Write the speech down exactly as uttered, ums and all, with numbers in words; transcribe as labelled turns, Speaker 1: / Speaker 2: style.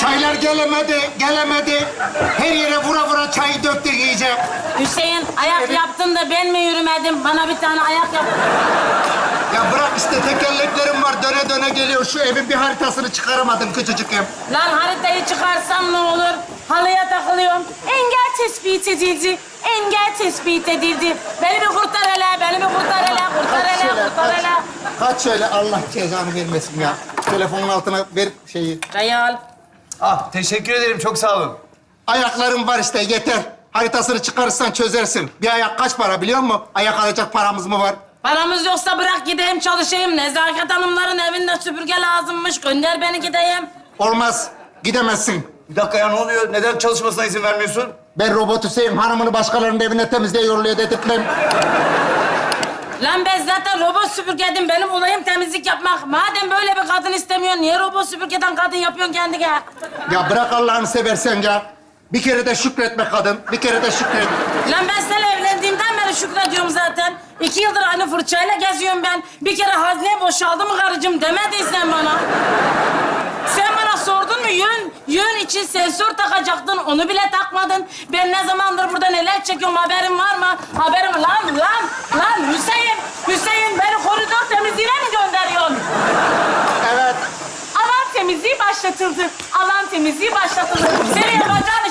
Speaker 1: Çaylar gelemedi, gelemedi. Her yere vura vura çayı döktük iyice.
Speaker 2: Hüseyin ayak yaptın da ben mi yürümedim? Bana bir tane ayak yap.
Speaker 1: Ya bırak işte tekerleklerim var, döne döne geliyor. Şu evin bir haritasını çıkaramadım küçücük ev.
Speaker 2: Lan haritayı çıkarsam ne olur? Halıya takılıyorum. Engel tespit edildi. Engel tespit edildi. Beni bir kurtar hele, beni bir kurtar hele, kurtar
Speaker 1: Kaç
Speaker 2: hele,
Speaker 1: şöyle,
Speaker 2: kurtar
Speaker 1: kaç.
Speaker 2: hele.
Speaker 1: Kaç şöyle, Allah cezanı vermesin ya. Telefonun altına ver şeyi.
Speaker 2: Çayı al.
Speaker 3: Ah, teşekkür ederim. Çok sağ olun.
Speaker 1: Ayaklarım var işte, yeter. Haritasını çıkarırsan çözersin. Bir ayak kaç para biliyor musun? Ayak alacak paramız mı var?
Speaker 2: Paramız yoksa bırak gideyim çalışayım. Nezaket hanımların evinde süpürge lazımmış. Gönder beni gideyim.
Speaker 1: Olmaz, gidemezsin.
Speaker 3: Bir dakika ya, ne oluyor? Neden çalışmasına izin vermiyorsun?
Speaker 1: Ben robot Hüseyin, hanımını başkalarının evine temizliğe yolluyor dedirtmem.
Speaker 2: Lan ben zaten robot süpürgedim. Benim olayım temizlik yapmak. Madem böyle bir kadın istemiyorsun, niye robot süpürgeden kadın yapıyorsun kendine?
Speaker 1: Ya bırak Allah'ını seversen ya. Bir kere de şükretme kadın, bir kere de şükret.
Speaker 2: Lan ben seninle evlendiğimden beri şükrediyorum zaten. İki yıldır aynı fırçayla geziyorum ben. Bir kere hazne boşaldı mı karıcığım demediysen bana. Sen bana sordun mu yön, yön için sensör takacaktın, onu bile takmadın. Ben ne zamandır burada neler çekiyorum, haberin var mı? Haberim lan, lan, lan Hüseyin, Hüseyin beni koridor temizliğine mi gönderiyorsun?
Speaker 1: Evet.
Speaker 2: Alan temizliği başlatıldı. Alan temizliği başlatıldı. Senin yapacağın